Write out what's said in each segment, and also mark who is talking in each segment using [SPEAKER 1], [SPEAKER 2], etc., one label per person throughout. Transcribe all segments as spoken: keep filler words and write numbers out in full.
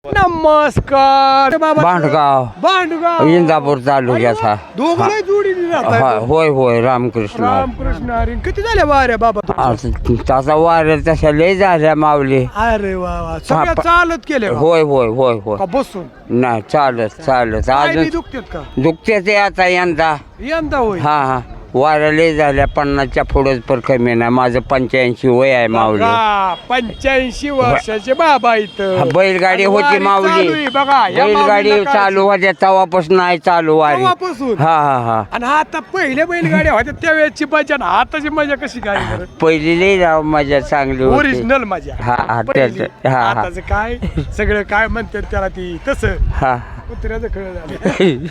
[SPEAKER 1] नमस्कार बाबा.
[SPEAKER 2] भांडगाव
[SPEAKER 1] भांडगाव
[SPEAKER 2] इंदापूर तालुक्याचा
[SPEAKER 1] दोघं जोडीने राहताय.
[SPEAKER 2] हा, होय होय रामकृष्ण
[SPEAKER 1] रामकृष्ण हरी. किती झाल्या वाऱ्या बाबा तुमच्या?
[SPEAKER 2] आता त्याचा वाऱ्या तशा लय झाल्या माऊली.
[SPEAKER 1] अरे वा वा सगळ्या
[SPEAKER 2] हा,
[SPEAKER 1] चालत केले का?
[SPEAKER 2] होय होय होय होय
[SPEAKER 1] का बसून
[SPEAKER 2] नाही चालत चालत
[SPEAKER 1] पाय बी
[SPEAKER 2] अजून
[SPEAKER 1] दुखतात का
[SPEAKER 2] दुखते ते आता यंदा.
[SPEAKER 1] यंदा होय.
[SPEAKER 2] हा हा वाऱ्या लय झाल्या पन्नासच्या पुढेच पर कमी नाही. माझं पंच्याऐंशी वय आहे माऊली.
[SPEAKER 1] बघा, पंच्याऐंशी वर्षाचे बाबा इथं.
[SPEAKER 2] हा, बैलगाडी
[SPEAKER 1] आणि
[SPEAKER 2] होती
[SPEAKER 1] वारी चालू
[SPEAKER 2] माऊली.
[SPEAKER 1] आहे बघा. या
[SPEAKER 2] बैलगाडी
[SPEAKER 1] माऊलीला
[SPEAKER 2] चालू होत्या तेव्हापासून नाही चालू वारी.
[SPEAKER 1] तेव्हापासून.
[SPEAKER 2] हा हा हा
[SPEAKER 1] आणि आता पहिले बैलगाड्या होत्या त्यावेळेची मजा ना आताची मजा कशी काय बरं?
[SPEAKER 2] पहिली लय राव मजा चांगली होती.
[SPEAKER 1] ओरिजिनल मजा.
[SPEAKER 2] हा, हा,
[SPEAKER 1] पहिली.
[SPEAKER 2] त्याचं- हा, हा.
[SPEAKER 1] आताचं काय सगळं काय म्हणतात त्याला ती तसं
[SPEAKER 2] हा
[SPEAKER 1] कुत्र्याचं खळ झालं.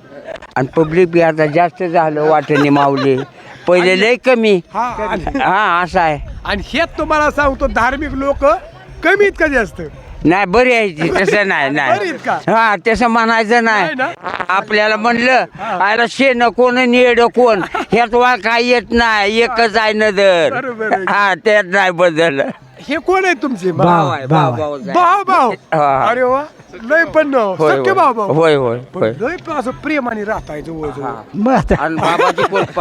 [SPEAKER 2] आणि पब्लिक बी आता जास्त झालं वाटणी माऊली. पहिले लय कमी.
[SPEAKER 1] हा आणि-
[SPEAKER 2] हा असं आहे.
[SPEAKER 1] आणि हेच तुम्हाला सांगतो धार्मिक लोक कमीत कधी असत
[SPEAKER 2] नाही बरी आहे ती, तसं नाही
[SPEAKER 1] बरी
[SPEAKER 2] नाही
[SPEAKER 1] आहेत का?
[SPEAKER 2] हा तसं म्हणायचं
[SPEAKER 1] नाही ना?
[SPEAKER 2] नाही. आपल्याला म्हणलं अरे शेण कोण निड कोण ह्यात वा काय येत नाही एकच आहे नदर.
[SPEAKER 1] बरोबर आहे.
[SPEAKER 2] हा त्यात नाही बदल.
[SPEAKER 1] हे कोण आहे तुमचे
[SPEAKER 2] भाव आहे भाव भाऊ आहे.
[SPEAKER 1] भाऊ भाऊ
[SPEAKER 2] हा.
[SPEAKER 1] अरे वा लय पण
[SPEAKER 2] होय,
[SPEAKER 1] सख्खे भाऊ भाऊ
[SPEAKER 2] होय होय
[SPEAKER 1] पण
[SPEAKER 2] होय.
[SPEAKER 1] लय पण असं प्रेमाने राहताय जवळ जवळ.
[SPEAKER 2] आणि बाबाची कृपा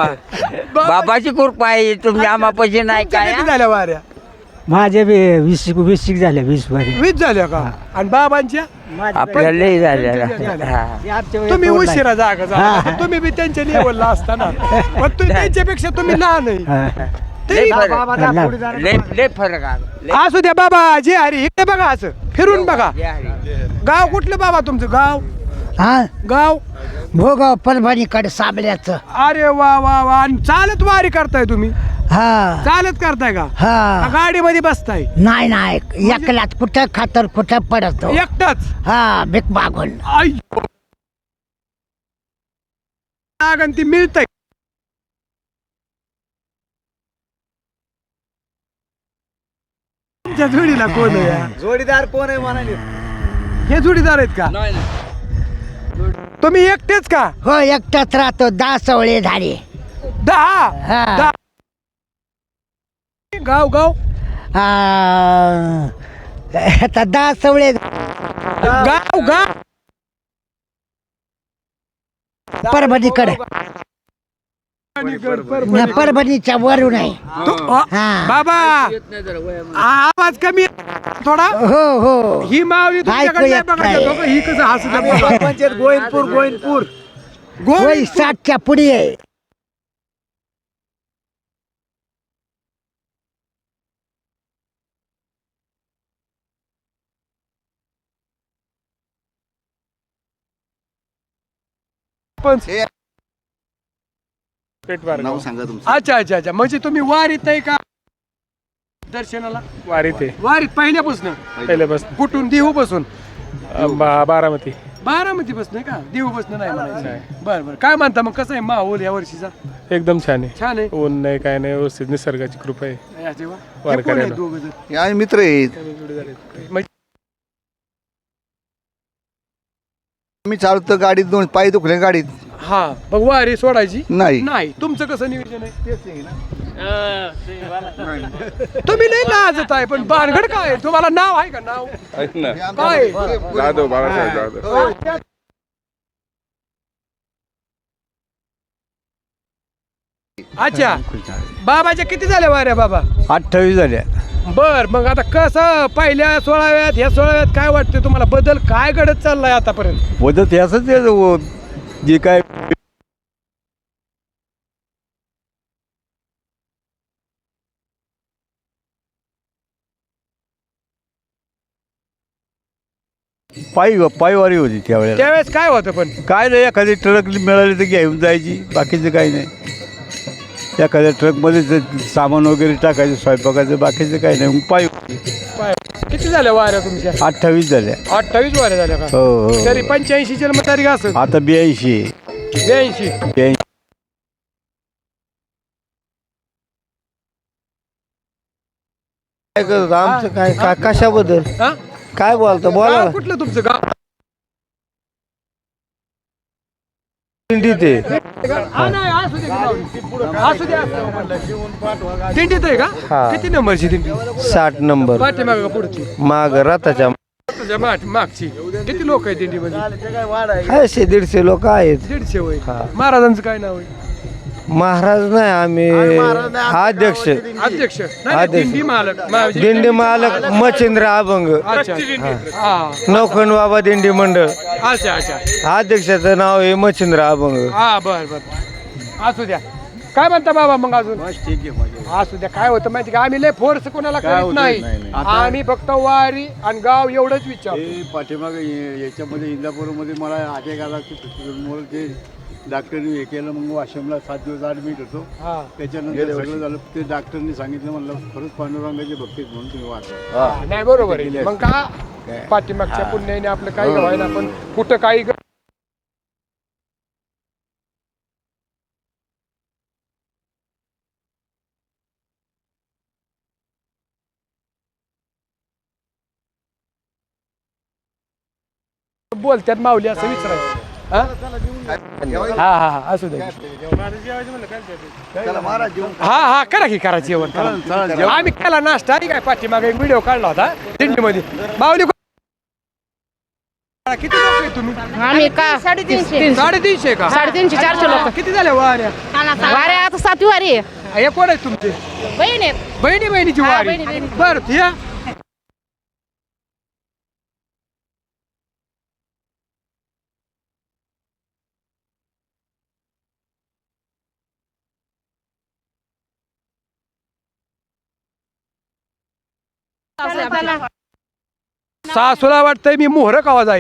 [SPEAKER 2] बाबाची कृपा आहे तुमच्या आम्हापाशी नाही
[SPEAKER 1] तुमच्या
[SPEAKER 2] काय.
[SPEAKER 1] किती झाल्या वाऱ्या?
[SPEAKER 3] माझ्या बी वीस वीस झाल्या वीस वारी
[SPEAKER 1] वीस झाल्या का? आणि बाबांच्या
[SPEAKER 2] आपल्याला लय झालेला.
[SPEAKER 1] झाल्या.
[SPEAKER 2] हा.
[SPEAKER 1] तुम्ही उशिरा जागा जा तुम्ही बी त्यांच्या लेवलला असताना पण तुम्ही त्यांच्यापेक्षा तुम्ही लहान आहे तरी
[SPEAKER 2] लय फरक लय लय फरक आहे. लय-
[SPEAKER 1] असू द्या बाबा जे हरी इकडे बघा असं फिरून बघा.
[SPEAKER 2] जे आहे.
[SPEAKER 1] गाव कुठलं बाबा तुमचं गाव?
[SPEAKER 3] हा
[SPEAKER 1] गाव
[SPEAKER 3] भोगाव परभणीकडे साबल्याचं.
[SPEAKER 1] अरे वा वा वा आणि चालत वारी करताय तुम्ही?
[SPEAKER 3] हा
[SPEAKER 1] चालत करताय का? का
[SPEAKER 3] हा
[SPEAKER 1] गाडीमध्ये बसताय?
[SPEAKER 3] नाही नाही एकलाच कुठं खातर कुठं पडतो.
[SPEAKER 1] एकटाच?
[SPEAKER 3] हा भीक मागून.
[SPEAKER 1] आई आणि ती मिळतंय तुमच्या जोडीला कोण आहे?
[SPEAKER 4] जोडीदार कोण आहे म्हणाले?
[SPEAKER 1] हे जोडीदार आहेत का? तुम्ही एकटेच का?
[SPEAKER 3] हो एकटाच राहतो. दहा सवळे झाले.
[SPEAKER 1] दहा
[SPEAKER 3] हा
[SPEAKER 1] दहा. गाव गाव
[SPEAKER 3] आ, आता दहा सवळे
[SPEAKER 1] गाव गाव
[SPEAKER 3] परभणीकडे
[SPEAKER 1] परभणी.
[SPEAKER 3] परभणीच्या वरून आहे.
[SPEAKER 1] तू- अ,
[SPEAKER 3] हा.
[SPEAKER 1] बाबा आवाज कमी आहे थोडा.
[SPEAKER 3] हो हो
[SPEAKER 1] ही मावली तुमच्याकडे नाही
[SPEAKER 3] ऐकू येत
[SPEAKER 1] बघायचं.
[SPEAKER 3] नाही.
[SPEAKER 1] बघा, ही कसं हसत
[SPEAKER 4] पंचायत गोविंदपूर गोविंदपूर
[SPEAKER 3] वय साठच्या पुढे आहे.
[SPEAKER 4] नाव सांगा तुमचं.
[SPEAKER 1] अच्छा अच्छा अच्छा म्हणजे तुम्ही वारीत आहे का दर्शनाला?
[SPEAKER 5] वारीत आहे
[SPEAKER 1] वारीत पहिल्यापासून
[SPEAKER 5] पहिल्यापासून
[SPEAKER 1] कुठून देहू बसून?
[SPEAKER 5] बा- बारामती
[SPEAKER 1] बारामती बसणं का? देहू बसणं नाही म्हणायचं. बरं बरं काय म्हणता मग कसं आहे माहोल या वर्षीचा?
[SPEAKER 5] एकदम छान आहे.
[SPEAKER 1] छान आहे.
[SPEAKER 5] ऊन नाही काय नाही व्यवस्थित निसर्गाची कृपा आहे.
[SPEAKER 1] या जेव्हा.
[SPEAKER 5] वार
[SPEAKER 1] हे कोण आहेत
[SPEAKER 5] करायला.
[SPEAKER 1] दोघं जण?
[SPEAKER 4] हे आहे मित्र आहेत.
[SPEAKER 1] म्हणजे
[SPEAKER 4] मी चालतो गाडीत दोन पाय दुखले गाडीत
[SPEAKER 1] हा मग वारी सोडायची
[SPEAKER 4] नाही.
[SPEAKER 1] नाही. तुमचं कसं नियोजन आहे? तुम्ही नाही लाजत आहे पण भानगड काय आहे? तुम्हाला नाव आहे का? नाव काय आहे?
[SPEAKER 5] जाधव बाळासाहेब जाधव.
[SPEAKER 1] अच्छा बाबाच्या किती झाल्या वाऱ्या बाबा?
[SPEAKER 4] अठ्ठावीस झाल्या.
[SPEAKER 1] बर मग आता कसं पहिल्या सोळाव्यात ह्या सोळाव्यात काय वाटतं तुम्हाला? बदल काय घडत चाललाय आतापर्यंत?
[SPEAKER 4] मदत याच जे काय पायी पायवारी होती त्यावेळेला.
[SPEAKER 1] त्यावेळेस काय होतं पण?
[SPEAKER 4] काय नाही एखादी ट्रक मिळाली तर घेऊन जायची बाकीचं काही नाही. एखाद्या ट्रकमध्ये सामान वगैरे टाकायचं स्वयंपाकाचं बाकीचं काही नाही. मग पायी
[SPEAKER 1] पाय- किती झाल्या वाऱ्या तुमच्या?
[SPEAKER 4] अठ्ठावीस झाल्या.
[SPEAKER 1] अठ्ठावीस वाऱ्या झाल्या का?
[SPEAKER 4] हो हो
[SPEAKER 1] तरी पंच्याऐंशी जन्मतारीख असत.
[SPEAKER 4] आता ब्याऐंशी
[SPEAKER 1] ब्याऐंशी.
[SPEAKER 4] ब्याऐंशी
[SPEAKER 6] काय करत आमचं काय काय कशाबद्दल
[SPEAKER 1] हा?
[SPEAKER 6] काय बोलतो बोला
[SPEAKER 1] गाव कुठलं तुमचं गाव?
[SPEAKER 6] दिंडीत आहे.
[SPEAKER 1] हा, नाही, असू दे की जाऊ दे. असू दे, असू दे. दिंडीत आहे का?
[SPEAKER 6] हा.
[SPEAKER 1] किती नंबरची दिंडी?
[SPEAKER 6] साठ नंबर
[SPEAKER 1] पाठीमागं का पुढची?
[SPEAKER 6] माग रथाच्या
[SPEAKER 1] तुमच्या माठ मागची किती लोक आहेत दिंडीमध्ये?
[SPEAKER 6] आहे दीडशे लोक आहेत.
[SPEAKER 1] दीडशे वय. महाराजांचं काय नाव आहे?
[SPEAKER 6] महाराज नाही आम्ही अध्यक्ष
[SPEAKER 1] अध्यक्ष नाही, नाही,
[SPEAKER 6] अध्यक्ष.
[SPEAKER 1] दिंडी मालक मा-
[SPEAKER 6] दिंडी मालक मच्छिंद्र अभंग
[SPEAKER 1] अच्छा हा
[SPEAKER 6] नौखंड बाबा दिंडी मंडळ
[SPEAKER 1] अच्छा अच्छा
[SPEAKER 6] अध्यक्षाचं नाव आहे मच्छिंद्र अभंग.
[SPEAKER 1] हा बर बर असू द्या. काय म्हणता बाबा मग अजून? असू द्या. काय होतं माहिती का आम्ही लय फोर्स कोणाला करत नाही. आम्ही फक्त वारी आणि गाव एवढंच विचार.
[SPEAKER 4] पाठीमाग याच्यामध्ये इंदापूरमध्ये मला अटॅक आला की ते डॉक्टरने हे केलं. मग वाशिमला सात दिवस ॲडमिट होतो.
[SPEAKER 1] हा
[SPEAKER 4] त्याच्यानंतर सगळं झालं. ते डॉक्टरने सांगितलं म्हणलं खरंच पांडुरंगाचे भक्ती आहेत म्हणून तुम्ही वाचा.
[SPEAKER 1] नाही बरोबर आहे. मग का पाठीमागच्या पुण्याने आपलं काही व्हायला पण कुठं काही ग- बोलत्यात माऊली असं विचारायचं. हा हा हा हा, असू दे. हा हा करा की करा जेवण करा. आम्ही केला नाश्ता आणि काय पाठीमागे एक व्हिडिओ काढला होता दिंडीमध्ये. माऊली किती लोक आहे तुम्ही?
[SPEAKER 7] आम्ही का साडेतीनशे
[SPEAKER 1] साडेतीनशे का?
[SPEAKER 7] साडेतीनशे चारशे लोक
[SPEAKER 1] किती झाल्या वाऱ्या?
[SPEAKER 7] वाऱ्या आता सातवी वारी आहे.
[SPEAKER 1] हे कोण आहे तुमचे?
[SPEAKER 7] बहीण आहेत.
[SPEAKER 1] बहिणी बहिणीची
[SPEAKER 7] हा,
[SPEAKER 1] वारी.
[SPEAKER 7] बहिणी, बहिणी.
[SPEAKER 1] बरं या सासूला वाटतंय मी मोहर कवा जाईल.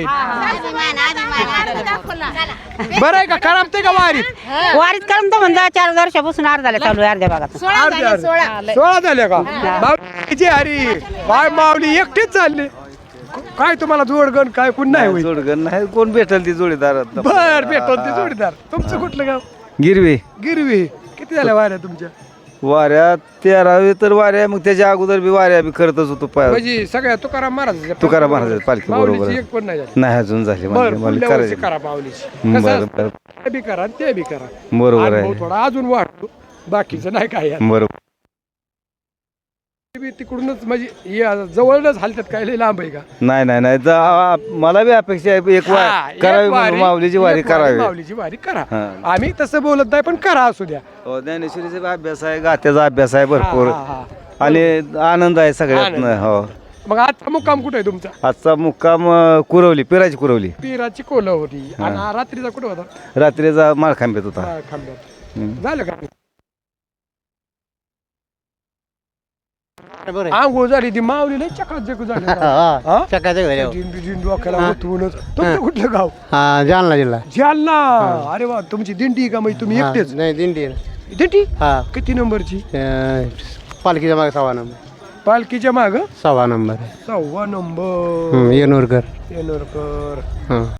[SPEAKER 1] बरं आहे का? खराबते का वारीत?
[SPEAKER 8] वारीत करून तर म्हणता चार वर्षापासून अर्ध झाले चालू आहे अर्ध्या भागात.
[SPEAKER 1] अर्ध्या अर्ध्या. सोळा झाले का? माऊली हरी काय माऊली एकटेच चालले. काय तुम्हाला जोडगण काय कोण नाही होईल?
[SPEAKER 6] जोडगण नाही कोण भेटल ती जोडीदार.
[SPEAKER 1] बर भेटल ते जोडीदार. तुमचं कुठलं गाव?
[SPEAKER 6] गिरवी
[SPEAKER 1] गिरवी. किती झाल्या वाऱ्या तुमच्या?
[SPEAKER 6] वाऱ्या तेरावी तर वाऱ्या मग त्याच्या अगोदर बी वाऱ्या बी करतच होतो पाय.
[SPEAKER 1] म्हणजे सगळ्या तुकाराम महाराज
[SPEAKER 6] तुकाराम महाराज पालखी बरोबर
[SPEAKER 1] एक पण नाही झाली.
[SPEAKER 6] नाही अजून झाली.
[SPEAKER 1] बर
[SPEAKER 6] म्हणजे मला
[SPEAKER 1] पुढल्या वर्षी
[SPEAKER 6] करायचं
[SPEAKER 1] करा माऊलीची.
[SPEAKER 6] बरं,
[SPEAKER 1] कसं
[SPEAKER 6] बरं.
[SPEAKER 1] असतं? ते बी करा आणि ते बी करा.
[SPEAKER 6] बरोबर
[SPEAKER 1] अनुभव
[SPEAKER 6] आहे
[SPEAKER 1] थोडा अजून वाढतो. बाकीचं नाही काय यात.
[SPEAKER 6] बरोबर.
[SPEAKER 1] ते बी तिकडूनच म्हणजे हे जवळच हलतात काय लय लांब आहे का?
[SPEAKER 6] नाही नाही नाही तर आ- मला बी अपेक्षा आहे एक
[SPEAKER 1] हा,
[SPEAKER 6] वार
[SPEAKER 1] एक
[SPEAKER 6] करावी
[SPEAKER 1] वारी,
[SPEAKER 6] म्हणून माऊलीची वारी
[SPEAKER 1] एक वारी,
[SPEAKER 6] करावी.
[SPEAKER 1] माऊलीची वारी करा.
[SPEAKER 6] हा.
[SPEAKER 1] आम्ही तसं बोलत नाही पण करा असू द्या.
[SPEAKER 6] हो, ज्ञानेश्वरीचा बी अभ्यास आहे गात्याचा अभ्यास आहे भरपूर
[SPEAKER 1] हा, हा,
[SPEAKER 6] आणि आनंद आहे सगळ्यात.
[SPEAKER 1] आनंद.
[SPEAKER 6] हो
[SPEAKER 1] मग आजचा मुक्काम कुठे आहे तुमचा?
[SPEAKER 6] आजचा मुक्काम अ, कुरवली पिराची कुरवली.
[SPEAKER 1] पिराची कोल होती आणि हा रात्रीचा कुठे होता?
[SPEAKER 6] रात्रीचा माळखांब्यात होता.
[SPEAKER 1] हा, खांब्यात.
[SPEAKER 6] हम्म.
[SPEAKER 1] झालं का? आंघोळ झाली ती माऊली लय चकाचक झाली. हा? झिंडू झिंडू अख्याला ओतूनच. तुमचं कुठलं गाव?
[SPEAKER 9] जालना जिल्हा.
[SPEAKER 1] जालना. अरे वा तुमची दिंडी आहे का? म्हणजे तुम्ही एकटेच?
[SPEAKER 9] नाही दिंडी
[SPEAKER 1] दिंडी
[SPEAKER 9] हा
[SPEAKER 1] किती नंबरची?
[SPEAKER 9] पालखीच्या मागे सव्वा नंबर.
[SPEAKER 1] पालखीच्या माग
[SPEAKER 9] सव्वा नंबर
[SPEAKER 1] सव्वा नंबर.
[SPEAKER 9] येनोरकर
[SPEAKER 1] येनोरकर.
[SPEAKER 9] हा